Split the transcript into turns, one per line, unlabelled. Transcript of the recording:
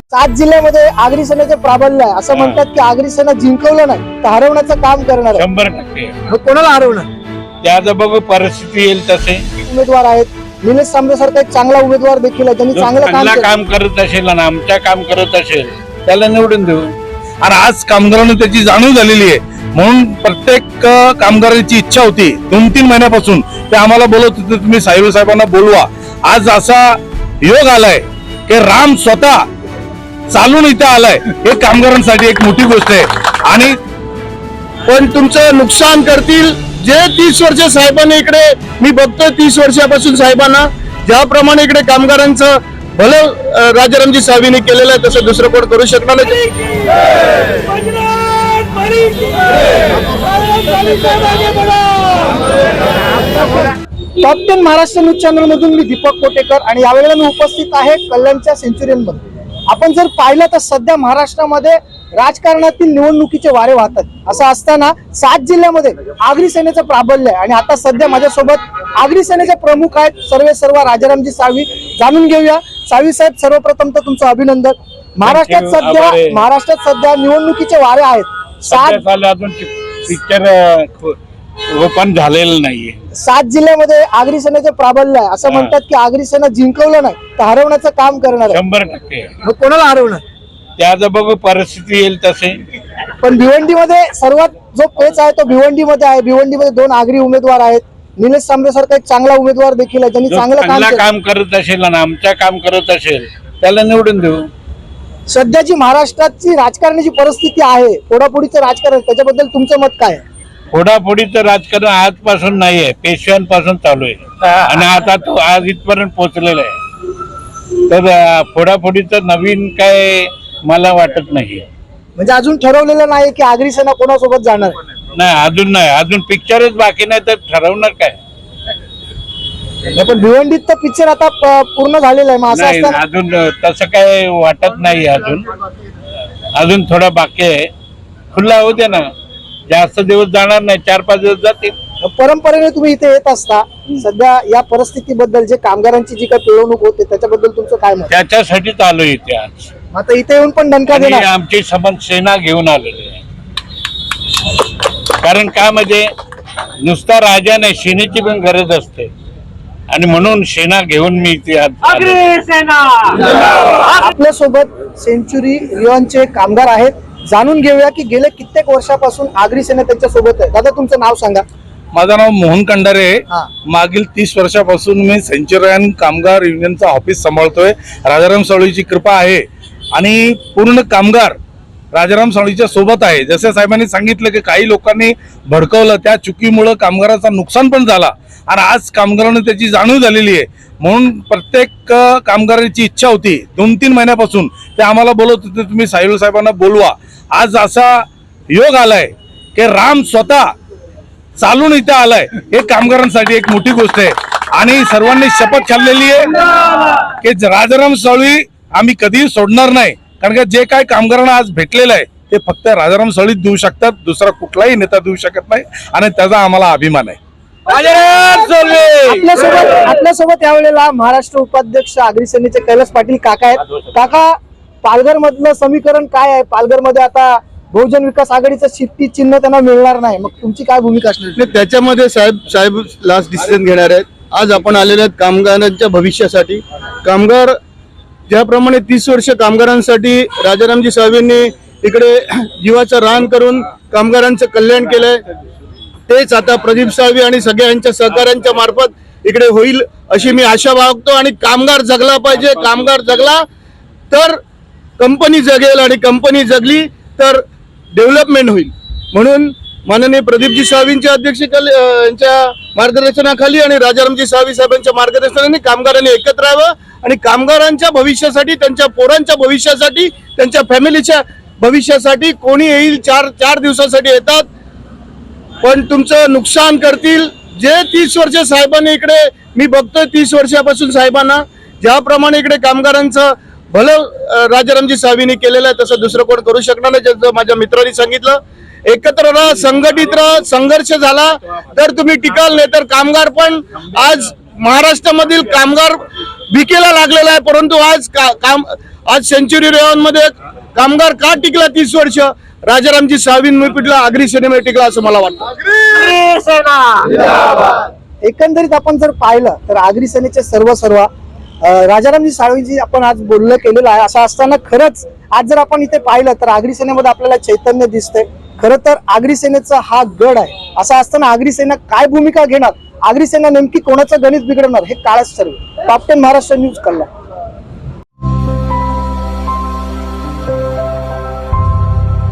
7 जिल्ह्यामध्ये आगरी सेनेचे प्राबल्य आहे असं म्हणतात की आगरी सेना जिंकवलं नाही तर हरवण्याचं काम करणार आहे.
100%
मग कोणाला हरवणार?
त्याचं बघू परिस्थिती येईल तसे.
उमेदवार आहेत निलेश सांबरे सारखा एक चांगला उमेदवार देखील आहे त्यांनी
जो
चांगलं काम
चांगला
केलं.
काम करत असेल आणि आमच्या काम करत असेल त्याला निवडून देऊ.
आणि आज कामगारांना त्याची जाणीव झालेली आहे म्हणून प्रत्येक कामगाराची इच्छा होती 2-3 महिन्यापासून ते आम्हाला बोलत होते तुम्ही साहेबांना बोलवा. आज असा योग आलाय की राम स्वतः चालून इथे आलाय. हे कामगारांसाठी एक मोठी गोष्ट आहे. आणि
पण तुमचं नुकसान करतील जे 30 वर्ष साहेबांनी इकडे मी बघतोय 30 वर्षापासून साहेबांना ज्याप्रमाणे इकडे कामगारांचं भलं राजारामजी साहेबांनी केलेलं आहे तसं दुसरं कोण करू शकणार नाही.
टॉप 10 महाराष्ट्र न्यूज चॅनल मधून मी दीपक कोटेकर आणि यावेळेला मी उपस्थित आहे कल्याणच्या सेंचुरियन मध्ये. आपण जर पाहिलं तर सध्या महाराष्ट्रामध्ये राजकारणातील निवडणुकीचे वारे वाहतात. असं असताना 7 जिल्ह्यामध्ये आगरी सेनेचं प्राबल्य आहे आणि आता सध्या माझ्यासोबत आगरी सेनेचे प्रमुख आहेत सर्व राजारामजी साळवी. जाणून घेऊया. साळवी साहेब, सर्वप्रथम तर तुमचं अभिनंदन. महाराष्ट्रात सध्या निवडणुकीचे वारे आहेत. 7
अजून पिक्चर ओपन झालेलं नाहीये.
7 जिल्ह्यामध्ये आगरी सेनेचे प्राबल्य आहे असं म्हणतात की आगरी सेना जिंकवलं नाही तर हरवण्याचं काम करणार आहे.
100%.
मग कोणाला हरवणार?
त्याचं बघू परिस्थिती येईल तसे.
पण भिवंडीमध्ये सर्वात जो पेच आहे तो भिवंडीमध्ये आहे. भिवंडीमध्ये 2 आगरी उमेदवार आहेत. निलेश सांबरे सारखा एक चांगला उमेदवार देखील आहे त्यांनी
जो
चांगलं
चांगला
काम
काम करत असेल आणि आमच्या काम करत असेल त्याला निवडून देऊ.
सध्याची महाराष्ट्राची राजकारणाची परिस्थिती आहे फोडाफोडीचं राजकारण त्याच्याबद्दल तुमचं मत काय आहे?
फोडाफोडीचं राजकारण आजपासून नाहीये, पेशव्यांपासून चालू आहे आणि आता तो आज इथपर्यंत पोहोचलेला आहे. तर फोडाफोडीचं नवीन काय मला वाटत नाही.
म्हणजे अजून ठरवलेलं नाही की आगरी सेना कोणासोबत जाणार आहे?
नाही, अजून पिक्चरच बाकी नाही तर ठरवणार काय.
पण भिवंडीत तर पिक्चर आता पूर्ण झालेला आहे. मग असं
नाही,
असताना
अजून तसं काय वाटत नाही. अजून थोडा बाकी आहे. खुला होऊ दे ना, जास्त दिवस जाणार नाही, 4-5 दिवस जातील.
परंपरेने तुम्ही इथे येत असता. सध्या या परिस्थितीबद्दल जे कामगारांची जी काही पिळवणूक होते त्याच्याबद्दल तुमचं काय मत?
त्याच्यासाठीच आलो इथे आज.
आता इथे येऊन पण दणका
आणि
देणार?
आमची सबंध सेना घेऊन आलेली आहे. कारण का म्हणजे नुसता राजा नाही, सेनेची पण गरज असते आणि म्हणून सेना घेऊन मी इथे आज
आपल्या सोबत सेंचुरी रिओनचे कामगार आहेत. जाणून घेऊया की गेले कित्येक वर्षापासून आगरी सेना त्यांच्या सोबत आहे. दादा, तुमचं नाव सांगा.
माझं नाव मोहन कंडारे आहे.
हा.
मागील 30 वर्षापासून मी सेंचुरियन कामगार युनियनचा ऑफिस सांभाळतोय. राजाराम साळवीची कृपा आहे आणि पूर्ण कामगार राजाराम साळवीच्या सोबत आहे. जसे साहेबांनी सांगितलं की काही लोकांनी भडकवलं, त्या चुकीमुळे कामगाराचं नुकसान पण झाला आणि आज कामगारांना त्याची जाणीव झालेली आहे म्हणून प्रत्येक कामगाराची इच्छा होती 2-3 महिन्यापासून ते आम्हाला बोलत होते तुम्ही साहेबांना बोलवा. आज असा योग आलाय की राम स्वतः चालून इथे आलाय. हे कामगारांसाठी एक मोठी गोष्ट आहे. आणि सर्वांनी शपथ खाल्लेली आहे की राजाराम साळवी आम्ही कधीही सोडणार नाही. कारण का जे काय कामगारांना आज भेटलेलं आहे ते फक्त राजाराम साळवीच देऊ शकतात, दुसरा कुठलाही नेता देऊ शकत नाही आणि त्याचा आम्हाला अभिमान आहे.
आपल्यासोबत यावेळेला महाराष्ट्र उपाध्यक्ष आगरी सेनेचे कैलास पाटील काका आहेत. काका, पालघर मधलं समीकरण काय आहे? पालघर मध्ये आता बहुजन विकास आघाडीचं शिट्टी चिन्ह त्यांना मिळणार नाही. मग तुमची काय भूमिका असणार?
त्याच्यामध्ये साहेब लास्ट डिसिजन घेणार आहेत. आज आपण आलेले आहेत कामगारांच्या भविष्यासाठी. कामगार ज्याप्रमाणे 30 वर्ष कामगारांसाठी राजारामजी साहेबांनी इकडे जीवाचं रान करून कामगारांचं कल्याण केलंय तेच आता प्रदीप साळवी आणि सगळ्यांच्या सहकार्यांच्या मार्फत इकडे होईल अशी मी आशा बाळगतो. आणि कामगार जगला पाहिजे. कामगार जगला तर कंपनी जगेल आणि कंपनी जगली तर डेव्हलपमेंट होईल. म्हणून माननीय प्रदीपजी साळवींच्या यांच्या मार्गदर्शनाखाली आणि राजारामजी साळवी साहेबांच्या मार्गदर्शनाने कामगारांनी एकत्र राहावं आणि कामगारांच्या भविष्यासाठी, त्यांच्या पोरांच्या भविष्यासाठी, त्यांच्या फॅमिलीच्या भविष्यासाठी कोणी येईल 4 दिवसासाठी येतात पण तुमचं नुकसान करतील जे 30 वर्ष साहेबांनी इकडे मी बघतोय 30 वर्षापासून साहेबांना ज्याप्रमाणे इकडे कामगारांचं भलं राजारामजी साहेबांनी केलेलं आहे तसं दुसरं कोण करू शकणार नाही. जसं माझ्या मित्रांनी सांगितलं, एकत्र राहा, संघटित राहा. संघर्ष झाला तर तुम्ही टिकाल, नाही तर कामगार पण आज महाराष्ट्रामधील कामगार विकेला लागलेला आहे. परंतु आज आज सेंचुरी रेवनमध्ये कामगार का टिकला 30 वर्ष? राजारामजी साळवींनी पिटला, आगरी सेनेमध्ये टिकला असं मला वाटतं.
एकंदरीत आपण जर पाहिलं तर आगरी सेनेचे सर्व राजारामजी साळवीजी आपण आज बोलणं केलेलं आहे. असं असताना खरंच आज जर आपण इथे पाहिलं तर आगरी सेनेमध्ये आपल्याला चैतन्य दिसते. खरं तर आगरी सेनेचा हा गड आहे. असं असताना आगरी सेना काय भूमिका घेणार, आगरी सेना नेमकी कोणाचं गणित बिघडवणार, हे काळच ठरवेल. टॉप 10 महाराष्ट्र न्यूज कल्याण.